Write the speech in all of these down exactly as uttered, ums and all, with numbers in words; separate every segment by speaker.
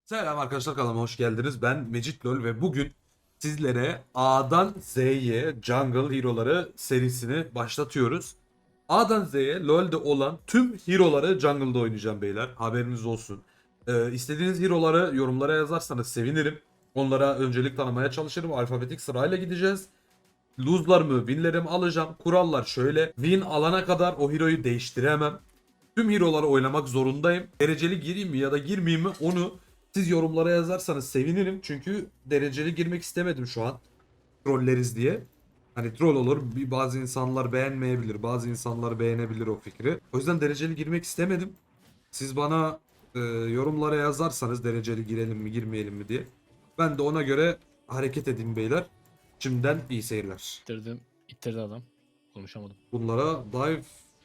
Speaker 1: Selam arkadaşlar, kanalıma hoş geldiniz. Ben Mecit Lol ve bugün sizlere A'dan Z'ye Jungle Hero'ları serisini başlatıyoruz. A'dan Z'ye LoL'de olan tüm hero'ları Jungle'da oynayacağım beyler. Haberiniz olsun. Ee, istediğiniz hero'ları yorumlara yazarsanız sevinirim. Onlara öncelik tanımaya çalışırım. Alfabetik sırayla gideceğiz. Lose'larımı, win'lerimi alacağım. Kurallar şöyle. Win alana kadar o hero'yu değiştiremem. Tüm hero'ları oynamak zorundayım. Dereceli gireyim mi ya da girmeyeyim mi onu siz yorumlara yazarsanız sevinirim. Çünkü dereceli girmek istemedim şu an. Trolleriz diye. Hani troll olur. Bir- Bazı insanlar beğenmeyebilir. Bazı insanlar beğenebilir o fikri. O yüzden dereceli girmek istemedim. Siz bana e, yorumlara yazarsanız dereceli girelim mi girmeyelim mi diye. Ben de ona göre hareket edeyim beyler. Şimdiden iyi seyirler.
Speaker 2: İttirdim. İttirdi adam. Konuşamadım.
Speaker 1: Bunlara dive...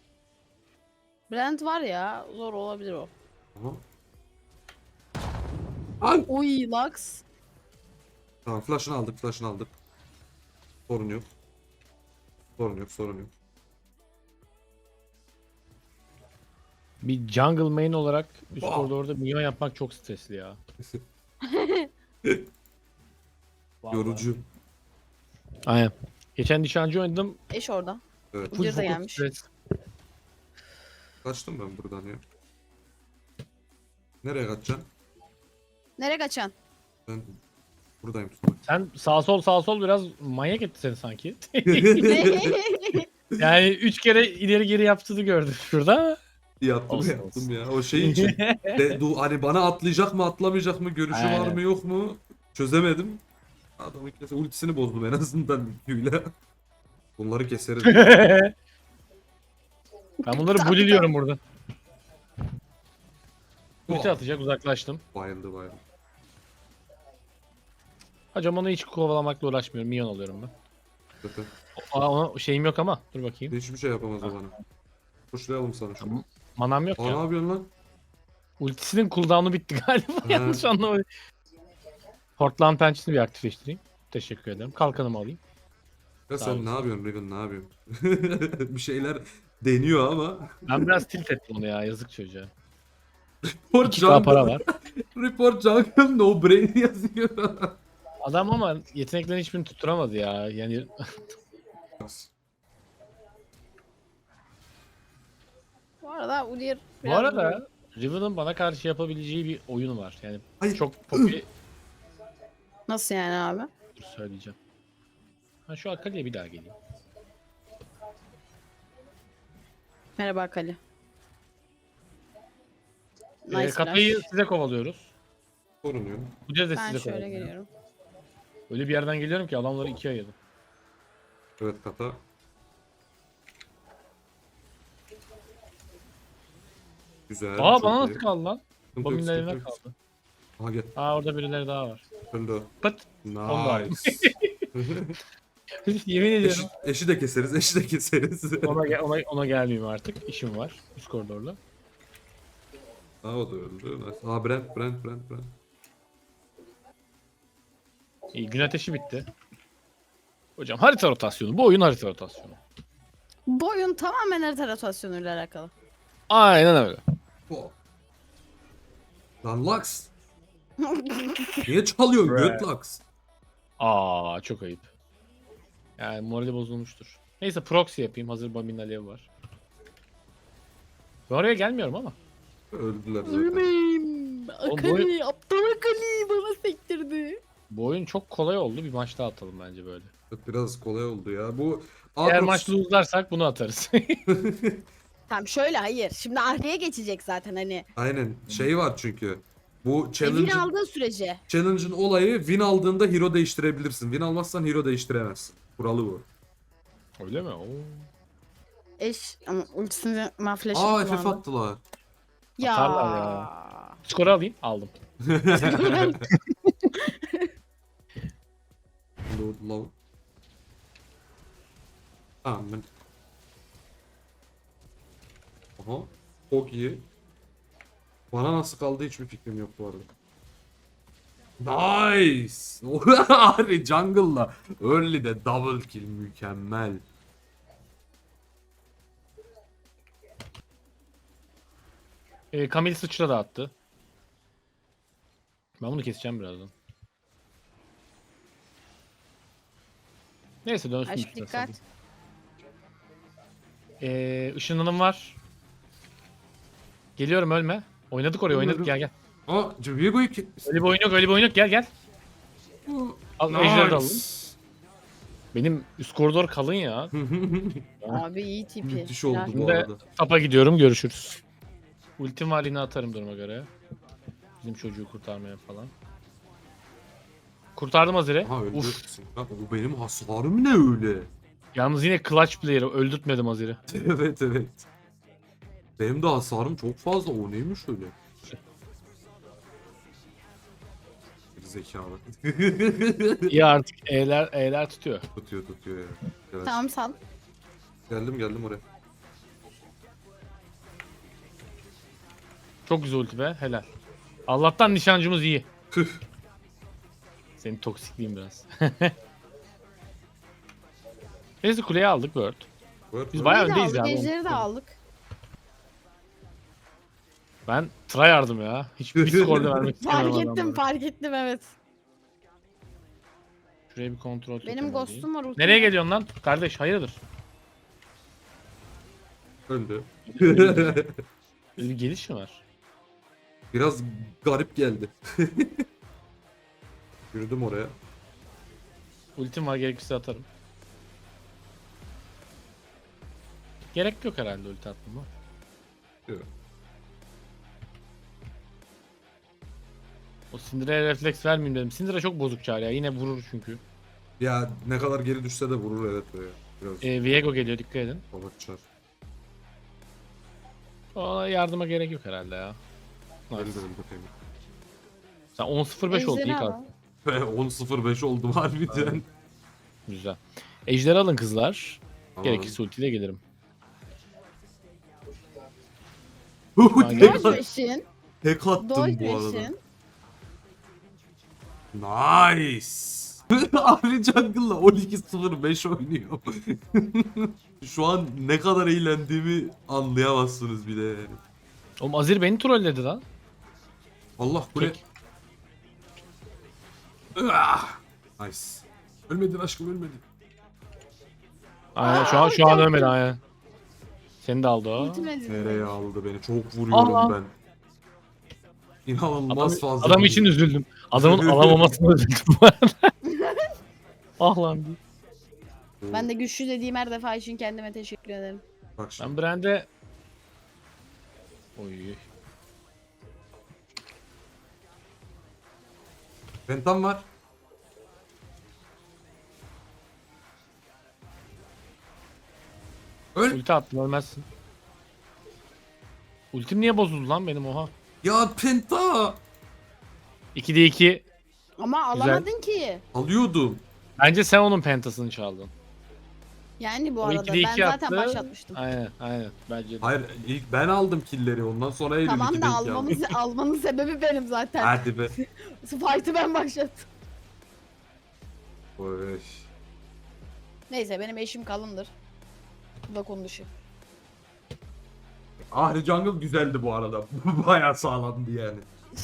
Speaker 3: Brand var ya, zor olabilir o.
Speaker 1: Aha. Ay!
Speaker 3: Oy Lux.
Speaker 1: Tamam, flash'ını aldık, flash'ını aldık. Sorun yok. Sorun yok, sorun yok.
Speaker 2: Bir jungle main olarak üst
Speaker 1: Aa!
Speaker 2: koridorda minyon yapmak çok stresli ya. Vallahi.
Speaker 1: Yorucu.
Speaker 2: Aynen. Geçen nişancı oynadım.
Speaker 3: Eş orada.
Speaker 1: Evet.
Speaker 3: Ucuz da
Speaker 2: Full
Speaker 3: gelmiş.
Speaker 2: stres.
Speaker 1: Kaçtım ben buradan ya. Nereye kaçacaksın?
Speaker 3: Nereye kaçan?
Speaker 1: Ben buradayım tutmak.
Speaker 2: Sen sağ sol sağ sol biraz manyak etti seni sanki. Yani üç kere ileri geri yaptığını gördüm şurada.
Speaker 1: Yaptım
Speaker 2: Olsun,
Speaker 1: yaptım
Speaker 2: olsun.
Speaker 1: ya. O şey için. De, du, hani bana atlayacak mı atlamayacak mı görüşü var
Speaker 2: Aynen.
Speaker 1: mı yok mu çözemedim. Adamın kese ultisini bozdum en azından Q'yla. Bunları keseriz.
Speaker 2: Ben bunları bullyliyorum burada. Ulti atacak, uzaklaştım.
Speaker 1: Bayıldı bayıldı.
Speaker 2: Hocam onu hiç kovalamakla uğraşmıyorum. Minyon alıyorum ben.
Speaker 1: Zaten
Speaker 2: Aa, ona şeyim yok ama. Dur bakayım.
Speaker 1: hiçbir şey yapamaz o bana. Kuşlayalım sana şunu.
Speaker 2: Tamam. Manam yok
Speaker 1: Aa,
Speaker 2: ya.
Speaker 1: ne yapıyorsun lan?
Speaker 2: Ultisinin cooldown'u bitti galiba.
Speaker 1: He.
Speaker 2: Yanlış anlamadım. Portland pençesini bir aktifleştireyim. Teşekkür ederim. Kalkanımı alayım.
Speaker 1: Ya
Speaker 2: Sağ
Speaker 1: sen
Speaker 2: olasın.
Speaker 1: ne yapıyorsun Riven, ne yapıyorsun? Bir şeyler deniyor ama.
Speaker 2: Ben biraz tilt ettim onu ya. Yazık çocuğa.
Speaker 1: Report
Speaker 2: iki K para
Speaker 1: Jungle.
Speaker 2: var.
Speaker 1: Report Jungle no brain yazıyor.
Speaker 2: Adam ama yeteneklerini hiçbirini tutturamadı ya. Yani
Speaker 3: Bu arada Udyr
Speaker 2: bu
Speaker 3: biraz
Speaker 2: arada Riven'ın bana karşı yapabileceği bir oyun var. Yani
Speaker 1: Hayır.
Speaker 2: çok popüler.
Speaker 3: nasıl yani abi?
Speaker 2: Dur söyleyeceğim. Ha şu Akali'ye bir daha geleyim.
Speaker 3: Merhaba Kali.
Speaker 2: Ee,
Speaker 3: Nice
Speaker 2: Katayı
Speaker 3: flash.
Speaker 2: size kovalıyoruz.
Speaker 1: Sorun yok.
Speaker 2: Bu de
Speaker 3: Ben
Speaker 2: size
Speaker 3: şöyle
Speaker 2: kovalıyor.
Speaker 3: geliyorum.
Speaker 2: Öyle bir yerden geliyorum ki adamları ikiye ayırdım.
Speaker 1: Evet kata. Güzel.
Speaker 2: Aa
Speaker 1: çok
Speaker 2: bana
Speaker 1: iyi.
Speaker 2: nasıl kaldı lan?
Speaker 1: Sıkıntı yok,
Speaker 2: Bobin'in
Speaker 1: sıkıntı
Speaker 2: eline
Speaker 1: yok.
Speaker 2: kaldı.
Speaker 1: Aha gel.
Speaker 2: Aa orada birileri daha var.
Speaker 1: Öldü o.
Speaker 2: Pıt. Onu da aldım.
Speaker 1: Nice.
Speaker 2: Yemin ediyorum.
Speaker 1: eşi, eşi de keseriz, eşi de keseriz.
Speaker 2: Ona, gel- ona, ona gelmeyeyim artık. İşim var. Üst koridorla.
Speaker 1: Aa o da öldü. Nice. Aa Brent, Brent, Brent, Brent.
Speaker 2: İyi, gün ateşi bitti. Hocam harita rotasyonu. Bu oyun harita rotasyonu.
Speaker 3: Bu oyun tamamen harita rotasyonuyla alakalı.
Speaker 2: Aynen öyle.
Speaker 1: Oh. Lan Lux. Niye çalıyorsun göt Lux?
Speaker 2: Aa çok ayıp. Yani morali bozulmuştur. Neyse proxy yapayım. Hazır Bamin alev var. Ben oraya gelmiyorum ama.
Speaker 1: Öldüler zaten.
Speaker 3: Ölmeyeyim.
Speaker 2: Oğlum bu
Speaker 3: Akali, aptal Akali bana sektirdi.
Speaker 2: Bu oyun çok kolay oldu. Bir maç daha atalım bence böyle.
Speaker 1: Evet, biraz kolay oldu ya. Bu
Speaker 2: Eğer
Speaker 1: Aatrox-
Speaker 2: maç lose'larsak bunu atarız.
Speaker 3: Tamam şöyle hayır. Şimdi Ahri'ye geçecek zaten hani.
Speaker 1: Aynen. Şey var çünkü. Bu
Speaker 3: Evini
Speaker 1: challenge'ın
Speaker 3: aldığı sürece.
Speaker 1: challenge'ın olayı win aldığında hero değiştirebilirsin. Win almazsan hero değiştiremezsin. Kuralı bu.
Speaker 2: öyle mi? Oo.
Speaker 3: Eş ama ultisini mahfleşi
Speaker 1: Aa F F
Speaker 3: kullandı.
Speaker 1: attılar.
Speaker 3: Ya.
Speaker 2: Atarlar ya. Skoru alayım. Aldım.
Speaker 1: Load low. Tamam ben. Aha. Çok iyi. Bana nasıl kaldı hiçbir fikrim yok bu arada. Nice. Ari jungle'la early de double kill mükemmel.
Speaker 2: Ee, Camille sıçra da attı. Ben bunu keseceğim birazdan. Neyse dönsün
Speaker 3: Aşk
Speaker 2: üstüne
Speaker 3: dikkat.
Speaker 2: salayım. Ee, ışınlanım var. Geliyorum ölme. Oynadık oraya oynadık gel gel.
Speaker 1: Aa, Viego'yu ki...
Speaker 2: Öyle bir oyun yok öyle bir oyun yok gel gel. Al ejderi de alalım. Benim üst koridor kalın ya.
Speaker 3: Abi iyi tipi.
Speaker 1: Müthiş oldu
Speaker 3: Helal.
Speaker 1: bu
Speaker 2: Şimdi
Speaker 1: arada.
Speaker 2: tapa gidiyorum görüşürüz. Ultim var yine atarım duruma göre. Bizim çocuğu kurtarmaya falan. Kurtardım Azir'i.
Speaker 1: Aha öldü.
Speaker 2: Uf.
Speaker 1: Bak, bu benim hasarım ne öyle?
Speaker 2: Yalnız yine clutch player'ı öldürtmedim Azir'i.
Speaker 1: Evet evet. Benim de hasarım çok fazla. O neymiş öyle? Bir zekalı.
Speaker 2: İyi artık E'ler, E'ler tutuyor.
Speaker 1: tutuyor tutuyor ya. Evet.
Speaker 3: Tamam sal.
Speaker 1: Geldim geldim oraya.
Speaker 2: Çok güzel ulti be helal. Allah'tan nişancımız iyi.
Speaker 1: Tüh.
Speaker 2: Senin toksikliğin biraz. Neyse kuleyi aldık Word.
Speaker 1: Buyur,
Speaker 2: Biz
Speaker 1: buyur.
Speaker 2: bayağı
Speaker 3: İyi de
Speaker 2: öndeyiz
Speaker 3: aldık,
Speaker 2: yani.
Speaker 3: ejderi de aldık.
Speaker 2: Ben tryhard'ım ya. Hiçbir skorda vermek istemiyorum
Speaker 3: Fark ettim
Speaker 2: adamlara.
Speaker 3: fark ettim evet.
Speaker 2: Şuraya bir kontrol
Speaker 3: Benim
Speaker 2: totem alayım.
Speaker 3: ghost'um var. ultim
Speaker 2: Nereye
Speaker 3: var.
Speaker 2: geliyorsun lan? Kardeş hayırdır?
Speaker 1: Öldü.
Speaker 2: Böyle bir geliş mi var?
Speaker 1: Biraz garip geldi. Yürüdüm oraya.
Speaker 2: Ultim var gerekirse atarım. Gerek yok herhalde ulti atmama.
Speaker 1: Yok.
Speaker 2: O Syndra'ya refleks vermeyeyim dedim. Syndra çok bozuk çağır ya. Yine vurur çünkü.
Speaker 1: Ya ne kadar geri düşse de vurur evet böyle. Biraz
Speaker 2: Ee, Viego geliyor dikkat edin.
Speaker 1: balık çar.
Speaker 2: Ona yardıma gerek yok herhalde ya.
Speaker 1: Öldü
Speaker 2: Nice.
Speaker 1: öldü Femi.
Speaker 2: Sen on sıfır beş oldu
Speaker 3: Ejderi
Speaker 2: iyi kalk.
Speaker 3: al.
Speaker 1: Ve on sıfır beş oldum harbiden.
Speaker 2: Güzel. Ejder alın kızlar.
Speaker 1: Tamam.
Speaker 2: Gerekirse ultiyle gelirim.
Speaker 1: tek,
Speaker 3: Dodge
Speaker 1: at-
Speaker 3: Machine.
Speaker 1: tek attım
Speaker 3: Dodge
Speaker 1: bu arada.
Speaker 3: Machine.
Speaker 1: Nice. Ahri Jungle'la on iki sıfır beş oynuyor. Şu an ne kadar eğlendiğimi anlayamazsınız bile yani.
Speaker 2: Oğlum Azir beni trolledi lan.
Speaker 1: Allah kule.
Speaker 2: Tek.
Speaker 1: Ah! Nice. Ölmedin aşkım ölmedin.
Speaker 2: Aynen şu an şu an ölmedi aynen. Seni de aldı o.
Speaker 3: Ultimate
Speaker 1: Nereye aldı beni? Çok vuruyorum
Speaker 2: Aa.
Speaker 1: ben. İnanılmaz
Speaker 2: Adam,
Speaker 1: fazla.
Speaker 2: adam için
Speaker 1: vuruyorum.
Speaker 2: üzüldüm. Adamın alamamasına üzüldüm bu arada. Ah lan diye.
Speaker 3: Ben de güçlü dediğim her defa için kendime teşekkür ederim.
Speaker 1: Bak şimdi.
Speaker 2: Ben Brand'e... Oy.
Speaker 1: Pentam var. Öl.
Speaker 2: Ulti attım ölmezsin. Ultim niye bozuldu lan benim oha?
Speaker 1: Ya penta.
Speaker 2: ikide iki.
Speaker 3: Ama
Speaker 2: Güzel.
Speaker 3: alamadın ki.
Speaker 1: Alıyordum.
Speaker 2: Bence sen onun pentasını çaldın.
Speaker 3: Yani bu
Speaker 2: O
Speaker 3: arada
Speaker 2: ikide
Speaker 3: ben
Speaker 2: iki
Speaker 3: zaten
Speaker 2: attı.
Speaker 3: başlatmıştım.
Speaker 2: Aynen aynen bence de.
Speaker 1: Hayır ilk ben aldım killleri ondan sonra Eylül
Speaker 3: Tamam
Speaker 1: iki
Speaker 3: da
Speaker 1: denk
Speaker 3: almamız,
Speaker 1: geldi.
Speaker 3: almanın sebebi benim zaten.
Speaker 1: Hadi be.
Speaker 3: Fight'ı ben başlattım.
Speaker 1: Oy.
Speaker 3: Neyse benim eşim kalındır. Bu da konu dışı.
Speaker 1: Ahri Jungle güzeldi bu arada. Bayağı sağlamdı yani.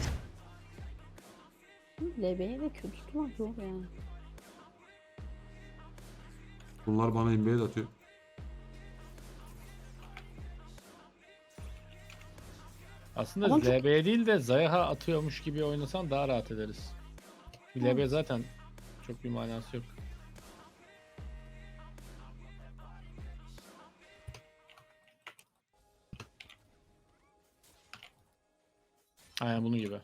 Speaker 3: L B'ye de kötü tutmak zor yani.
Speaker 1: Bunlar bana invade atıyor.
Speaker 2: Aslında
Speaker 3: Ama çok-
Speaker 2: L B'ye değil de Zayah'a atıyormuş gibi oynasan daha rahat ederiz. L B zaten çok bir manası yok. Aynen bunun gibi.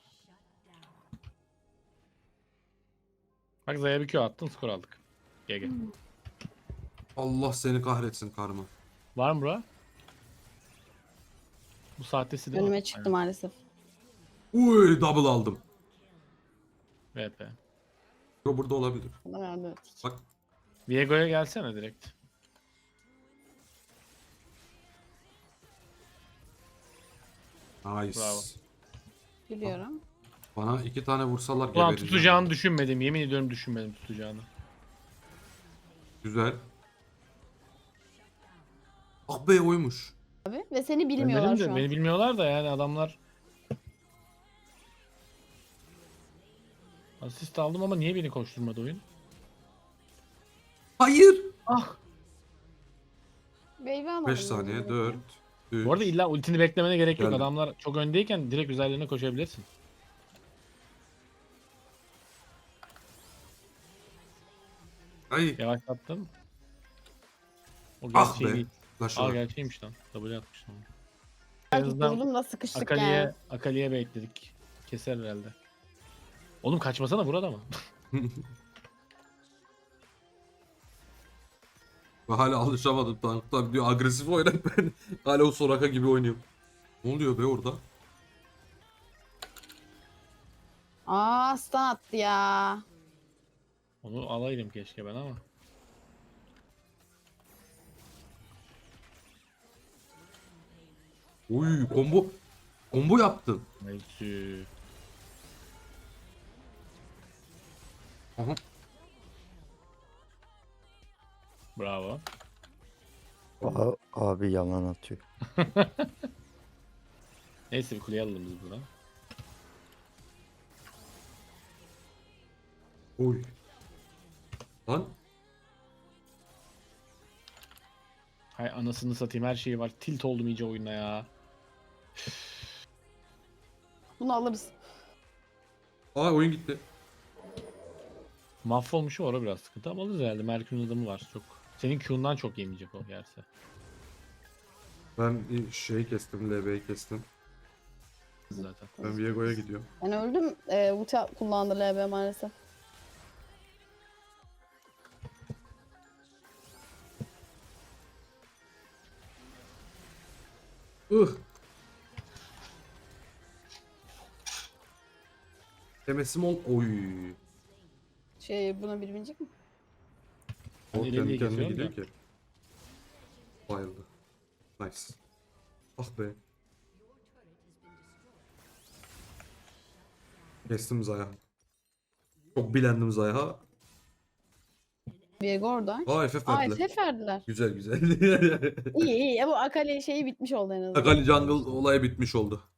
Speaker 2: Bak Zaya bir Q attın skor aldık. G G.
Speaker 1: Allah seni kahretsin karma.
Speaker 2: Var mı bura? Bu saatte silah.
Speaker 3: Önüme çıktı maalesef.
Speaker 1: Uy double aldım.
Speaker 2: V P.
Speaker 1: Yo burada olabilir.
Speaker 3: Bana verdi, evet.
Speaker 1: Bak.
Speaker 2: Viego'ya gelsene direkt.
Speaker 1: Nice.
Speaker 2: Bravo.
Speaker 3: Biliyorum.
Speaker 1: Bana iki tane vursalar
Speaker 2: Ulan
Speaker 1: gebereceğim.
Speaker 2: tutacağını düşünmedim. Yemin ediyorum düşünmedim tutacağını.
Speaker 1: Güzel. Ah be oymuş.
Speaker 3: Abi ve seni
Speaker 2: Ben
Speaker 3: bilmiyorlar
Speaker 2: dedim de
Speaker 3: şu an.
Speaker 2: beni bilmiyorlar da yani adamlar Asist aldım ama niye beni koşturmadı oyun?
Speaker 1: Hayır.
Speaker 2: Ah.
Speaker 3: Wave alalım.
Speaker 1: beş
Speaker 3: bence
Speaker 1: saniye.
Speaker 3: direkt.
Speaker 1: dört. üç.
Speaker 2: Bu arada illa ultini beklemene gerek yok.
Speaker 1: Geldim.
Speaker 2: Adamlar çok öndeyken direkt üzerlerine koşabilirsin.
Speaker 1: Ay.
Speaker 2: Yavaşlattım. O
Speaker 1: Ah
Speaker 2: gerçeği
Speaker 1: be.
Speaker 2: değil.
Speaker 1: Flash
Speaker 2: Aa
Speaker 1: var.
Speaker 2: gerçeğiymiş lan. W atmış lan. En
Speaker 3: Belki
Speaker 2: azından
Speaker 3: durdum da sıkıştık
Speaker 2: Akali'ye
Speaker 3: yani.
Speaker 2: Akali'ye bekledik. Keser herhalde. Oğlum kaçmasana burada mı?
Speaker 1: Ben hala alışamadım tanktan diyor. Agresif oynayıp ben hala o Soraka gibi oynuyorum. Ne oluyor be orada?
Speaker 3: Aa stun attı ya.
Speaker 2: Onu alaydım keşke ben ama.
Speaker 1: Uy combo. Combo yaptın.
Speaker 2: Neyse.
Speaker 1: Aha.
Speaker 2: Bravo.
Speaker 4: Aa, abi yalan atıyor.
Speaker 2: Neyse bir kuleye alalım biz buradan.
Speaker 1: Uy. Lan.
Speaker 2: Hay anasını satayım her şeyi var. Tilt oldum iyice oyuna ya.
Speaker 3: Bunu alırız.
Speaker 1: Aa oyun gitti.
Speaker 2: Mahvolmuşu var o biraz sıkıntı ama alırız herhalde. Merkür'ün adamı var çok. Senin Q'ndan çok yemeyecek o yerse.
Speaker 1: Ben şeyi kestim. L B'yi kestim.
Speaker 2: Zaten.
Speaker 1: Ben Viego'ya gidiyorum.
Speaker 3: Ben öldüm. Ee, ulti kullandı L B maalesef.
Speaker 1: Ih. Temesim ol. Oy.
Speaker 3: Şey buna bir binecek mi?
Speaker 2: Ben
Speaker 1: O
Speaker 2: ileriye
Speaker 1: kendi kendine
Speaker 2: geçiyorum
Speaker 1: gidiyor ki. Bayıldı. Nice. Ah be. Kestim Zaya. Çok bilendim Zaya.
Speaker 3: Viego orada.
Speaker 1: Aa F F
Speaker 3: Aa
Speaker 1: verdiler.
Speaker 3: F F verdiler.
Speaker 1: Güzel güzel.
Speaker 3: İyi iyi. Ya bu Akali şeyi bitmiş oldu en azından.
Speaker 1: Akali Jungle olayı bitmiş oldu.